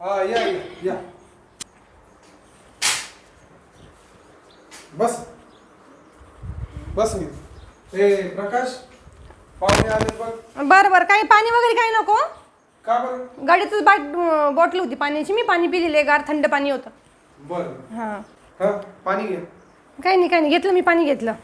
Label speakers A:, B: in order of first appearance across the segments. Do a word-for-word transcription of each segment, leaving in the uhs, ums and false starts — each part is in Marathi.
A: हा या या या बस बस मी ए प्रकाश पाहुणे आले बघ.
B: बरं बरं काही पाणी वगैरे काही नको.
A: का बरं?
B: गाडीतच बाट बॉटल होती पाण्याची, मी पाणी पिलेले गार थंड पाणी होतं.
A: बरं
B: हां
A: हा पाणी घे.
B: काही नाही काही नाही घेतलं मी पाणी घेतलं.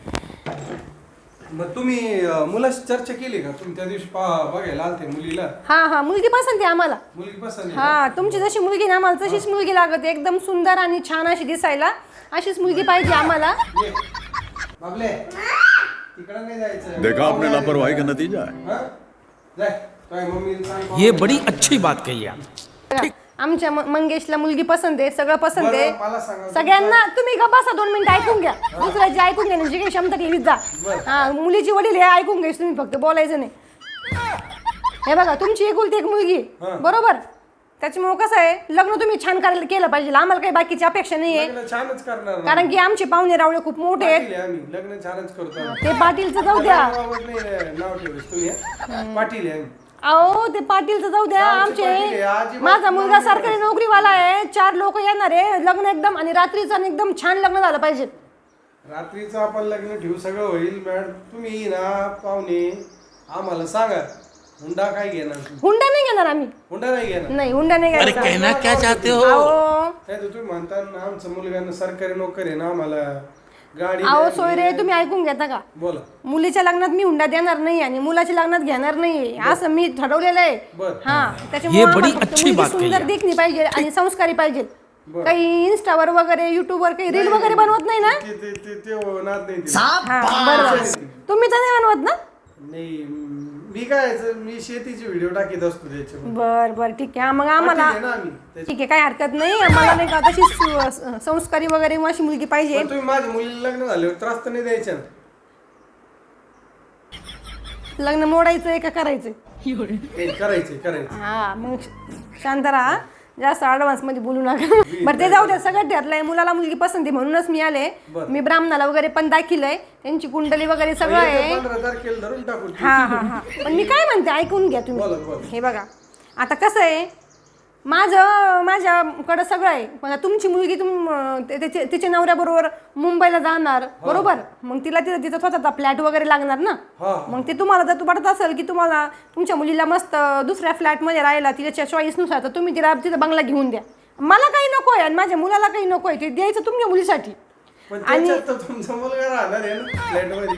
A: मग तुम्ही अं, मुलाशी चर्चा केली का? तुम्ही त्या दिवशी पा बघायला आलते मुलीला.
B: हा हा मुलगी पसंत आहे आम्हाला.
A: मुलगी पसंत आहे का?
B: हा तुमची जशी मुलगी ना आम्हाला तशीच मुलगी लागत आहे, एकदम सुंदर आणि छान अशी दिसायला अशीच मुलगी पाहिजे आम्हाला.
A: ये. बाबले तिकडं नाही जायचं.
C: देखा आपने लापरवाही का नतीजा है.
A: हा जाय काय मम्मीला सांग.
D: ये बड़ी अच्छी बात कही आप.
B: आमच्या म- मंगेशला मुलगी पसंत आहे, सगळं पसंत
A: बरं,
B: आहे
A: मला सांगा.
B: सगळ्यांना. तुम्ही का बसा दोन मिनिटं ऐकून घ्या, दुसऱ्याची ऐकून घेण्याची काही क्षमता ठेवीत जा. हा मुलीची वडील हे ऐकून घ्यायचं तुम्ही, फक्त बोलायचं नाही. हे बघा तुमची एकुलती एक मुलगी बरोबर, त्याच्यामुळे कसं आहे लग्न तुम्ही छान करायला केलं पाहिजे. आम्हाला काही बाकीची अपेक्षा नाहीये,
A: लग्न छानच करणार ना.
B: कारण की आमचे पाहुणे रावळे खूप मोठे आहेत.
A: पाटील आहे आम्ही लग्न छानच करतो आम्ही.
B: ते पाटीलचं जाऊ द्या.
A: गावात नाही नाव ठेवलंस तुम्ही हा? पाटील आहे आम्ही.
B: अहो ते पाटीलचं जाऊ द्या.
A: आमचे पाटील आहे,
B: आमचे
A: अजिबात
B: माझा मुलगा
A: नाही
B: सरकारी नोकरीवाला आहे, चार लोक येणार आहे, लग्न एकदम आणि रात्रीचं आणि एकदम छान लग्न झालं पाहिजे.
A: रात्रीचं आपण लग्न ठेवू सगळं होईल. मॅडम तुम्ही ना पाहुणे आम्हाला सांगा हुंडा काय घेणार?
B: हुंडा नाही घेणार आम्ही.
A: हुंडा नाही घेणार.
B: नाही हुंडा नाही
D: अरे
B: घ्यायचा.
D: कहना क्या चाहते हो.
B: अहो
A: नाही तर तुम्ही म्हणता ना आमचं मुलगानं सरकारी नोकरी आहे ना आम्हाला गाडी
B: अहो
A: द्या,
B: सोयरे
A: हे
B: तुम्ही ऐकून घेता का?
A: बोला.
B: मुलीच्या लग्नात मी हुंडा देणार नाही आणि मुलाच्या लग्नात घेणार नाही असं मी ठरवलेलं आहे.
A: बरं.
B: हा त्याच्यामुळे
D: ये बडी
B: आम्हाला फक्त
D: अच्छी
B: मुलगी
D: बात कही
B: सुंदर
D: आहे.
B: देखणी पाहिजे आणि संस्कारी पाहिजे.
A: बरं.
B: काही इंस्टावर वगैरे युट्यूबवर काही रील वगैरे बनवत नाही ना?
A: ते ते ते ते होणार नाही ते.
B: हा बरोबर. तुम्ही तर नाही बनवत ना?
A: नाही मी काय मी शेतीचे व्हिडिओ टाकीत असतो त्याच्यावर.
B: बर बर ठीक आहे. मग आम्हाला
A: पाटील आहे ना आम्ही त्याच्या-
B: ठीक आहे काही हरकत नाही. आम्हाला नाही का तशी सु- संस्कारी वगैरे अशी मुलगी पाहिजे.
A: पण तुम्ही माझ्या मुलीला लग्न झाल्यावर त्रास तर नाही द्यायचा ना?
B: लग्न मोडायचंय का करायचंय?
A: हे करायचंय करायचं.
B: हा मग शांत राहा, जास्त ऍडव्हान्स मध्ये बोलू नका. बरं ते जाऊ द्या, सगळं ठरलंय. मुलाला मुलगी पसंती म्हणूनच मी आले.
A: बरं.
B: मी ब्राह्मणाला वगैरे पण दाखिलय, त्यांची कुंडली वगैरे सगळं आहे.
A: पंधरा तारखेला धरून टाकू.
B: हा हा हा पण मी काय म्हणते ऐकून घ्या
A: बोला,
B: तुम्ही.
A: बोला.
B: हे बघा आता कसं आहे, माझं माझ्याकडं सगळं आहे. पण तुमची मुलगी तुम ते- त्याचे तिच्या नवऱ्याबरोबर मुंबईला जाणार बरोबर, मग तिला तिथं तिथं स्वतःचा फ्लॅट वगैरे लागणार ना.
A: हा.
B: मग ते तुम्हाला जर वाटत असेल की तुम्हाला तुमच्या मुलीला मस्त दुसऱ्या फ्लॅटमध्ये राहायला तिच्या चॉईसनुसार, तर तुम्ही तिला तिथं बंगला घेऊन द्या. मला काही नको आहे आणि माझ्या मुलाला काही नको आहे, ते द्यायचं तुमच्या मुलीसाठी.
A: पण त्याच्यात तर तुमचा मुलगा राहणार आहे ना फ्लॅटमध्ये.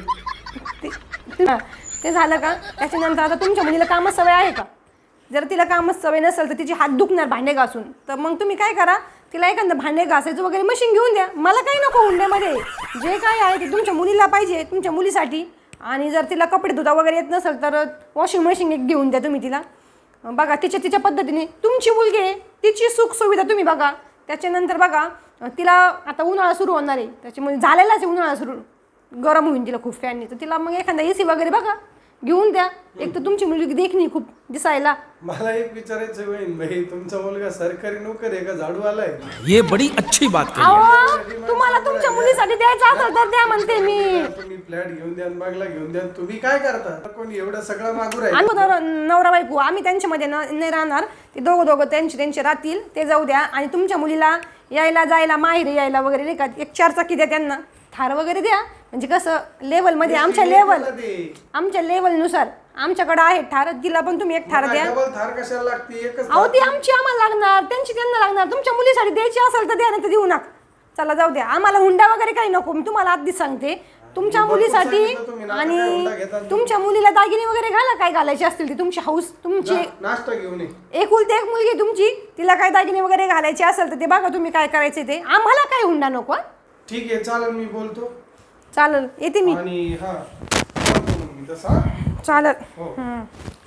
B: ते- हा, ते झालं का? त्याच्यानंतर आता तुमच्या मुलीला कामच सवय आहे का? जर तिला कामच सवय नसेल तर तिची हात दुखणार भांडे घासून, तर मग तुम्ही काय करा, तिला एखादं भांडे घासायचं वगैरे मशीन घेऊन द्या. मला काही नको हुंड्यामध्ये. जे काय आहे ते तुमच्या मुलीला पाहिजे, तुमच्या मुलीसाठी. आणि जर तिला कपडे धुता वगैरे येत नसेल तर वॉशिंग मशीन एक घेऊन द्या तुम्ही तिला. बघा तिच्या तिच्या पद्धतीने तुमची मुलगी आहे, तिची सुख सुविधा तुम्ही बघा. त्याच्यानंतर बघा तिला आता उन्हाळा सुरू होणार आहे, त्याच्यामुळे झालेलाच आहे उन्हाळा सुरू, गरम होईल तिला खूप फॅनने, तर तिला मग एखादा ए सी वगैरे बघा घेऊन द्या. एक तर तुमची मुलगी देखणी खूप दिसायला.
A: मला एक विचारायचं बहीण भाई, तुमचा मुलगा सरकारी नोकर आहे का झाडूवाला आहे?
D: ये बड़ी अच्छी बात कही आप.
B: अहो तुम्हाला तुमच्या मुलीसाठी द्यायचं असेल तर द्या म्हणते मी.
A: तुम्ही फ्लॅट घेऊन द्या, बंगला घेऊन द्या, तुम्ही काय करता? कोणी एवढं सगळं मागू राहील?
B: आम्ही नवरा नवरा बायको आम्ही त्यांच्यामध्ये न नाही राहणार. ते दोघं दोघं त्यांचे त्यांचे राहतील, ते जाऊ द्या. आणि तुमच्या मुलीला यायला जायला माहेरी यायला वगैरे नाही का, एक चार चाकी द्या त्यांना, थार वगैरे द्या. म्हणजे कसं लेवलमध्ये आमच्या लेवल आमच्या लेवलनुसार आमच्याकडे आहे ठार, तिला पण तुम्ही एक ठार द्या.
A: डबल थार कशाला लागते? एकच
B: अहो ती आमची आम्हाला लागणार, त्यांची त्यांना लागणार. तुमच्या मुलीसाठी द्यायची असेल तर द्या, नाही तर देऊ नका. चला जाऊ द्या, आम्हाला हुंडा वगैरे काही नको. मी तुम्हाला आधीच सांगते, तुमच्या मुलीसाठी. आणि तुमच्या मुलीला दागिने वगैरे घाला, काय घालायचे असतील ते तुमची हाऊस, तुमची
A: नाश्ता घेऊन ये.
B: एकुलती एक मुलगी तुमची, तिला काय दागिने वगैरे घालायचे असेल तर ते बघा तुम्ही काय करायचे ते. आम्हाला काही हुंडा नको.
A: ठीक आहे चालेल, मी बोलतो.
B: चालेल येते मी.
A: आणि हा बोलतो मग मी तसा.
B: चालेल.
A: हो.
B: हं.